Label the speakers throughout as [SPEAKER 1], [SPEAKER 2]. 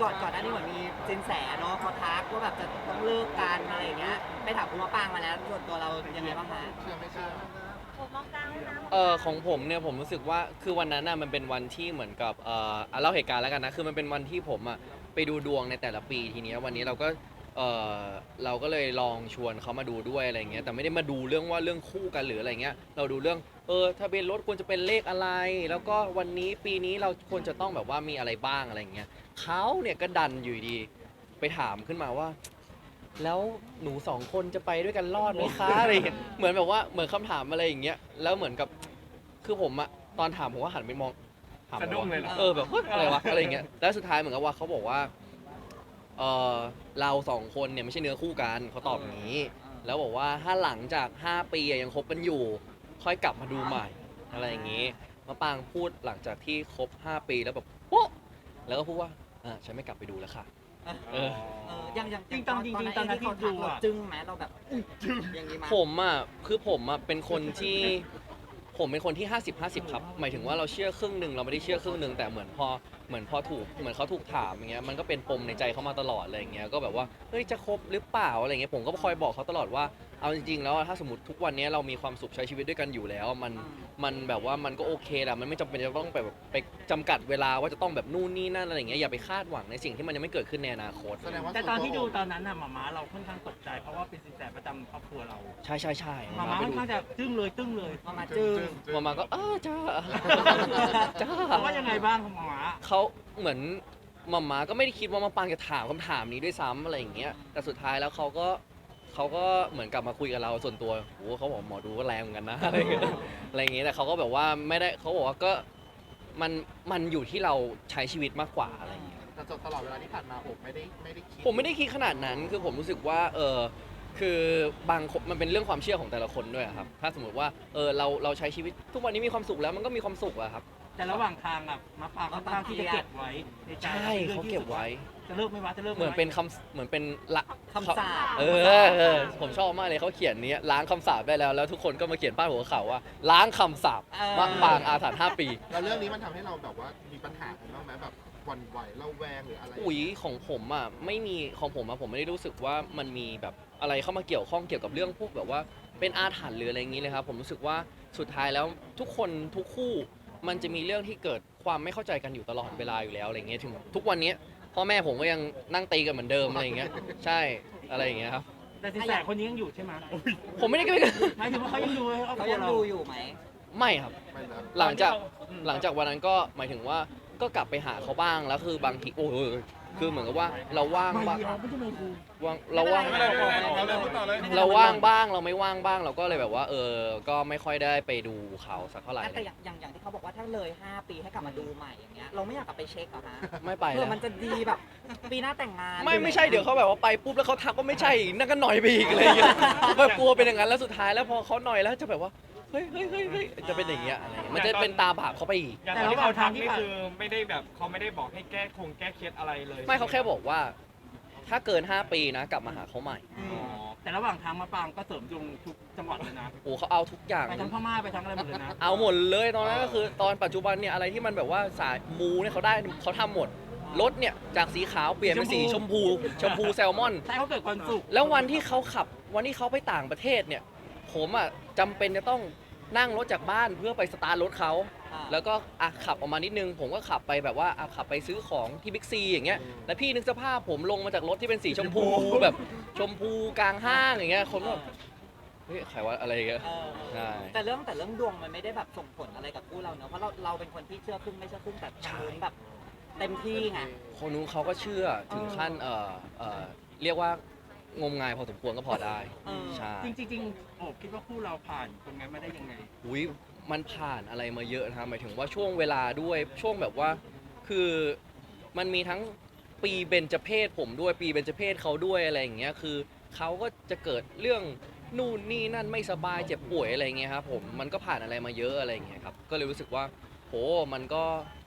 [SPEAKER 1] ก่อนหน้านี้เหมือนมีสินแสเนาะเขาทักว่าแบบจะต้องเลิกกันอะไรอย่างเงี้ยไปถามคุณมะปรางมาแล้วส่วนตัวเรายังไงบ้างคะ
[SPEAKER 2] เชื่อไม่เชื่อ
[SPEAKER 3] ผมมองกลางเลยนะ
[SPEAKER 4] ของผมเนี่ยผมรู้สึกว่าคือวันนั้นน่ะมันเป็นวันที่เหมือนกับเล่าเหตุการณ์แล้วกันนะคือมันเป็นวันที่ผมอ่ะไปดูดวงในแต่ละปีทีเนี้ยวันนี้เออเราก็เลยลองชวนเขามาดูด้วยอะไรเงี้ยแต่ไม่ได้มาดูเรื่องว่าเรื่องคู่กันหรืออะไรเงี้ยเราดูเรื่องทะเบียนรถควรจะเป็นเลขอะไร แล้วก็วันนี้ปีนี้เราควรจะต้องแบบว่ามีอะไรบ้างอะไรเงี้ยเขาเนี่ยก็ดันอยู่ดีไปถามขึ้นมาว่า แล้วหนูสองคนจะไปด้วยกันรอดไหมคะอะไรอย่างเงี้ยเหมือนแบบว่าเหมือนคำถามอะไรอย่างเงี้ยแล้วเหมือนกับคือผมอะตอนถามผมก็หันไปมองถาม
[SPEAKER 5] สะดุ้งเลยเหรอ
[SPEAKER 4] แบบเฮ้ยอะไรวะอะไรอย่างเงี้ยแล้วสุดท้ายเหมือนกับว่าเขาบอกว่าเออเราสองคนเนี่ยไม่ใช่เนื้อคู่กันเขาตอบอย่างนี้ แล้วบอกว่าถ้าหลังจาก5 ปียังคบกันอยู่ ค่อยกลับมาดูใหม่อะไรอย่างงี้มะปางพูดหลังจากที่คบ5 ปีแล้วแบบโป๊ะแล้วก็พูดว่าฉันไม่กลับไปดูแล้วค่ะ เออ
[SPEAKER 1] อย่าง
[SPEAKER 5] จริงๆตอนนั้นที่
[SPEAKER 1] เขา
[SPEAKER 5] ดู
[SPEAKER 1] ทักเรา
[SPEAKER 5] อะ
[SPEAKER 1] จึ้งไหมเราแบบอย่างนี้ไหม
[SPEAKER 4] ผมอ่ะคือผมอ่ะเป็นคนที่ผมเป็นคนที่50-50ครับหมายถึงว่าเราเชื่อครึ่งหนึ่งเราไม่ได้เชื่อครึ่งหนึ่งแต่เหมือนพอถูกเหมือนเขาถูกถามอย่างเงี้ยมันก็เป็นปมในใจเขามาตลอดอะไรอย่างเงี้ยก็แบบว่าเฮ้ยจะคบหรือเปล่าอะไรเงี้ยผมก็คอยบอกเขาตลอดว่าเอาจริงๆแล้วถ้าสมมติทุกวันนี้เรามีความสุขใช้ชีวิตด้วยกันอยู่แล้วมันแบบว่ามันก็โอเคแหละมันไม่จำเป็นจะต้องแบบไปจำกัดเวลาว่าจะต้องแบบนู่นนี่นั่นอะไรอย่างเงี้ยอย่าไปคาดหวังในสิ่งที่มันยังไม่เกิดขึ้นในอนาคต
[SPEAKER 2] แสดงว่า
[SPEAKER 5] แต่ตอนที่ดูตอนนั้นน่ะหม่าเราค่อนข้างตกใจเพราะว่าเป็นสินแสประจำครอบครัวเรา
[SPEAKER 4] ใช่ใช่ใช่
[SPEAKER 5] หม่าค่อนข้างจะตึ้งเลย
[SPEAKER 1] มาจึ้ง
[SPEAKER 4] มาก็จ้า จ้า
[SPEAKER 5] เพราะว่ายังไงบ้างของหม่า
[SPEAKER 4] เขาเหมือนมาม่าก็ไม่ได้คิดว่ามาปางจะถามคำถามนี้ด้วยซ้ำอะไรอย่างเงี้ยแต่สุดท้ายแล้วเขาก็เหมือนกลับมาคุยกับเราส่วนตัวโอ้เขาบอกหมอดูก็แรงเหมือนกันนะ อะไรอย่างเงี้ยแต่เขาก็แบบว่าไม่ได้เขาบอกว่าก็มันอยู่ที่เราใช้ชีวิตมากกว่าอะไรอย่างเงี้ย
[SPEAKER 2] แต่ตลอดเวลาที่ผ่านมาผมไม่ได้คิด
[SPEAKER 4] ผมไม่ได้คิดขนาดนั้นคือผมรู้สึกว่าคือบางคนมันเป็นเรื่องความเชื่อของแต่ละคนด้วยอะครับถ้าสมมติว่าเราใช้ชีวิตทุกวันนี้มีความสุขแล้วมันก็มีความสุขอะครับ
[SPEAKER 5] แต่ระหว่างทางอ่ะมะปรางค่อนข้างที่จะเก็บไว้ในใจ
[SPEAKER 4] ใช่เขาเก็บไว้
[SPEAKER 5] จะเลิกไหม่วะจะเลิก
[SPEAKER 4] เหมือนเป็นเหมือนเป็นละ
[SPEAKER 1] คำสาป
[SPEAKER 4] ผมชอบมากเลยเขาเขียนนี้ล้างคำสาปได้แล้วทุกคนก็มาเขียนป้ายหัวข่าวว่าล้างคำสาปมะปางอาถรรพ์5 ปี
[SPEAKER 2] แล้วเรื่องนี้มันทำให้เราแบบว่ามีปัญหากันบ้างไหมแบบหวั่นไหวระแวงหรืออะไร
[SPEAKER 4] อุ๋ยของผมอ่ะไม่มีของผมอ่ะผมไม่ได้รู้สึกว่ามันมีแบบอะไรเข้ามาเกี่ยวข้องเกี่ยวกับเรื่องพวกแบบว่าเป็นอาถรรพ์หรืออะไรอย่างนี้เลยครับผมรู้สึกว่าสุดท้ายแล้วทุกคนทุกคู่มันจะมีเรื่องที่เกิดความไม่เข้าใจกันอยู่ตลอดเวลาอยู่แล้วอะไรเงี้ยถึงทุกวันนี้พ่อแม่ผมก็ยังนั่งตีกันเหมือนเดิมอะไรอย่างเงี้ยใช่อะไรอย่างเงี้ยครับ
[SPEAKER 5] แต่สินแสคนนี้ยังอยู่ใช่ไหม
[SPEAKER 4] ผมไม่ได้
[SPEAKER 5] หมายถึงว่าเขายังดูให้ครอบ
[SPEAKER 1] เขา
[SPEAKER 5] ครัว
[SPEAKER 1] ยัง
[SPEAKER 5] เรา
[SPEAKER 1] ดูอยู่ไหม
[SPEAKER 4] ไม่ครับ
[SPEAKER 2] ไม่นะ
[SPEAKER 4] หลังจากวันนั้นก็หมายถึงว่าก็กลับไปหาเขาบ้างแล้วคือบางทีโอ้ยคือเหมือนกับว่าเราว่าง
[SPEAKER 5] ไม่
[SPEAKER 4] บ้าง
[SPEAKER 5] ดีเราไม่ใช่ไม่กู
[SPEAKER 4] เราว่าง
[SPEAKER 1] ไม่เป็นไรไม่เป็นไร
[SPEAKER 4] เราว่างบ้างเราไม่ว่างบ้างเราก็เลยแบบว่าก็ไม่ค่อยได้ไปดูเขาสักเท่าไหร่
[SPEAKER 1] แต่อย่างที่เขาบอกว่าถ้าเลย 5 ปีให้กลับมาดูใหม่อย่างเงี้ยเราไม่อยากกลับไปเช็คเหรอฮะ
[SPEAKER 4] ไม่ไป
[SPEAKER 1] เพื่
[SPEAKER 4] แล้
[SPEAKER 1] อ
[SPEAKER 4] ว
[SPEAKER 1] มันจะดีแบบปีหน้าแต่งงาน
[SPEAKER 4] ไม่ใช่เดี๋ยวเขาแบบว่าไปปุ๊บแล้วเขาทักว่าไม่ใช่อีกนั่นก็หน่อยไปอีกอะไรอย่างเงี้ยแบบกลัวเป็นอย่างนั้นแล้วสุดท้ายแล้วพอเขาหน่อยแล้วจะแบบว่าเฮ้ยจะเป็นอย่างเงี้ยอะไรอย่างเงี้ยมันจะเป็นตาบาปเขาไปอีก
[SPEAKER 6] อย่างตอนที่เขาทักนี่คือไม่ได้แบบเขาไม่ได้บอกให้แก้เคล็ดอะไรเลย
[SPEAKER 4] ไม่เขาแค่บอกว่า ถ้าเกิน 5 ปีนะกลับมาหาเขาใหม่
[SPEAKER 1] อื
[SPEAKER 6] อ๋
[SPEAKER 1] ม
[SPEAKER 6] อ
[SPEAKER 5] แต่ระหว่างทางมะปรางก็เสริมดวงทุกจังหวัดเลยนะ
[SPEAKER 4] โอ้เขาเอาทุกอย่าง
[SPEAKER 5] ไปทั้งพม่าไปทั้งอะไรหมดเลยนะ
[SPEAKER 4] เอาหมดเลยตอนนั้นก็คือตอนปัจจุบันเนี่ยอะไรที่มันแบบว่าสายมูเนี่ยเขาทำหมดรถเนี่ยจากสีขาวเปลี่ยนเป็นสีชมพูแซลมอน
[SPEAKER 5] ใช่เขาเกิดความสุข
[SPEAKER 4] แล้ววันที่เขาไปต่างประเทศเนี่ยผมอ่ะจำเป็นจะต้องนั่งรถจากบ้านเพื่อไปสตาร์ทรถเขาแล้วก็ขับออกมานิดนึงผมก็ขับไปแบบว่าขับไปซื้อของที่บิ๊กซีอย่างเงี้ยแล้วพี่นึกสภาพผมลงมาจากรถที่เป็นสีชมพูแบบชมพูกลางห้างอย่างเงี้ยคนก็เฮ้ยใครว่าอะไรอย่างเงี้ย
[SPEAKER 1] เออ
[SPEAKER 4] ใช่
[SPEAKER 1] แต่เรื่องดวงมันไม่ได้แบบส่งผลอะไรกับคู่เราเนอะเพราะเราเป็นคนที่เชื่อครึ่งไม่เชื่อครึ่งแต่ทางนู้นแบบเต็มที่ไง
[SPEAKER 4] คนนู้นเขาก็เชื่อถึงขั้นเรียกว่างมงายพอสมควรก็พอได้
[SPEAKER 1] เออ
[SPEAKER 4] ใช่
[SPEAKER 5] จริงๆโอบคิดว่าคู่เราผ่านตรงนั้นมาได้ยังไง
[SPEAKER 4] อุ้ยมันผ่านอะไรมาเยอะนะครับหมายถึงว่าช่วงเวลาด้วยช่วงแบบว่าคือมันมีทั้งปีเบญจเพศผมด้วยปีเบญจเพศเขาด้วยอะไรอย่างเงี้ยคือเขาก็จะเกิดเรื่องนู่นนี่นั่นไม่สบายเจ็บป่วยอะไรอย่างเงี้ยครับผมมันก็ผ่านอะไรมาเยอะอะไรอย่างเงี้ยครับก็เลยรู้สึกว่าโหมันก็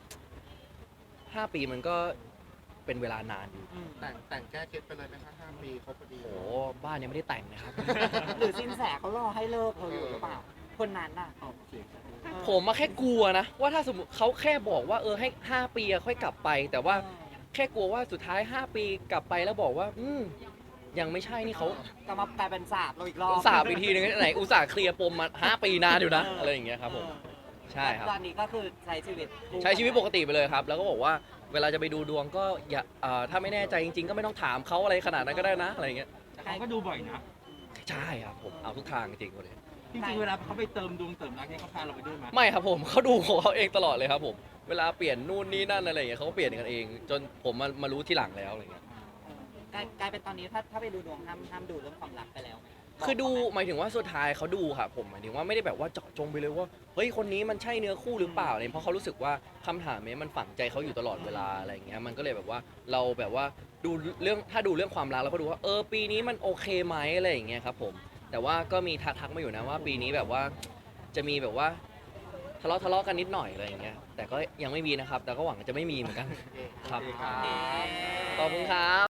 [SPEAKER 4] 5 ปีมันก็เป็นเวลานานอยู่
[SPEAKER 1] อืม
[SPEAKER 2] แต่งแก้เคล็ดไปเลยไหมคะ5 ปีครบพอดี
[SPEAKER 4] โหบ้านยังไม่ได้แต่งนะครับ
[SPEAKER 1] หรือสินแสเขารอให้เลิกเราอยู่หรือเปล่า คนนั้นน่ะ
[SPEAKER 5] โอเค
[SPEAKER 4] ผมมาแค่กลัวนะว่าถ้าสมมติเขาแค่บอกว่าให้5 ปีอะค่อยกลับไป แต่ว่าแค่กลัวว่าสุดท้าย 5 ปีกลับไปแล้วบอกว่ายังไม่ใช่นี่เขา
[SPEAKER 1] ก็มากลายเป็นสาบเราอีกรอบ
[SPEAKER 4] สาบอีกทีนึงไหนอุตส่าห์เคลียร์ปมมา 5 ปีนานอยู่นะอะไรอย่างเงี้ยครับผมใช่ครับ
[SPEAKER 1] ตอนนี้ก็คือใช้ชีวิต
[SPEAKER 4] ใช้ชีวิตปกติไปเลยครับ แล้วก็บอกว่าเวลาจะไปดูดวงก็อย่าถ้าไม่แน่ใจจริงๆ ก็ไม่ต้องถามเขาอะไรขนาดนั้นก็ได้นะอะไรอย่างเงี้ย
[SPEAKER 5] แต่เขาก็ดูบ่อยนะ
[SPEAKER 4] ใช่ครับผมเอาทุกทางจริงๆเลย
[SPEAKER 5] จริงๆเวลาเขาไปเติมดวงเติมรักเนี่ยเขาพาเราไปด้วยไหม
[SPEAKER 4] ไม่ครับผมเขาดูของเขาเองตลอดเลยครับผมเวลาเปลี่ยนนู่นนี่นั่นอะไรอย่างเงี้ยเขาก็เปลี่ยนกันเอง จนผมมารู้ทีหลังแล้วอะไรเงี้ย
[SPEAKER 1] กลายเป็นตอนนี้ถ้าไปดูดวงห้ามดูเรื่องความรักไปแล้วไหม
[SPEAKER 4] คือดูหมายถึงว่าสุดท้ายเขาดูครับผมหมายถึงว่าไม่ได้แบบว่าเจาะจงไปเลยว่าเฮ้ยคนนี้มันใช่เนื้อคู่หรือเปล่าอะไรเพราะเขารู้สึกว่าคำถามนี้มันฝังใจเขาอยู่ตลอดเวลาอะไรอย่างเงี้ยมันก็เลยแบบว่าเราแบบว่าดูเรื่องถ้าดูเรื่องความรักเราก็ดูว่าปีนี้มันโอเคไหมอะไรอย่างเงี้ยครับผมแต่ว่าก็มีทักมาอยู่นะว่าปีนี้แบบว่าจะมีแบบว่าทะเลาะกันนิดหน่อยอะไรอย่างเงี้ยแต่ก็ยังไม่มีนะครับแต่ก็หวังจะไม่มีเหมือนกันครับ
[SPEAKER 1] เอ๊ะ
[SPEAKER 4] ขอบคุณครับ